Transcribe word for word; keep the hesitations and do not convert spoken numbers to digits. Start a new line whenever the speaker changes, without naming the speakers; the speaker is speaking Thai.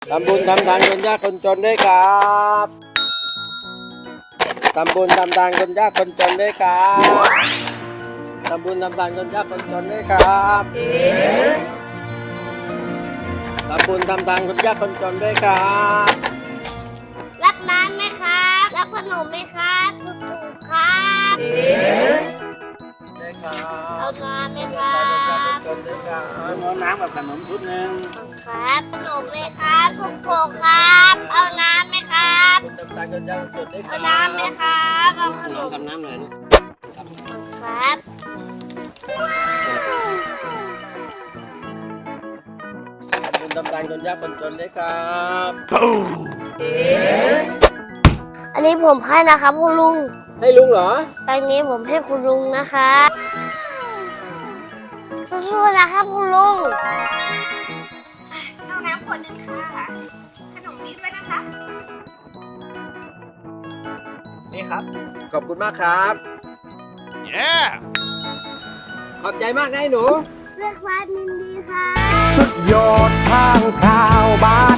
ทำบุญทำทานคนยากคนจนด้วยครับทำบุญทำทานคนยากคนจนด้วยครับทำบุญทำทานคนยากคนจนด้วยครับทำบุญทำทานคนยากคนจนด้วยครับ
รับน้ำไหมครับรับขนมไหมครับถูกถูกครับ
ด้วยครับ
เอาน้ำไหมครับ
จนด้วยครับ
เอาน้ำกับขนมชุดหนึ่ง
ครับขนมไหมครับถูกถูกครับเอาน้ำไหมครับ
ทำทานคนยากคนจนด้วยค
เอา
รับ
น้ำไหมครับเอาขนม
กับน้ำหน่อย
ครับ
ทำบุญทำทานคนยากคนจนด้วยครับ
อันนี้ผมให้นะครับคุณลุง
ให้ลุงเหรอ
ตอนนี้ผมให้คุณลุงนะครับสู้ๆนะครับคุณลุง
เอาน้ำขวดหนึ่งค่ะ ขนมนี้ด้วยนะคะ
นี่ครับ
ขอบคุณมากครับ
Yeah!
ขอบใจมากนะไอ้หนู
เรียกว่านินดีครับ
สุดยอดทางข่าวบ้าน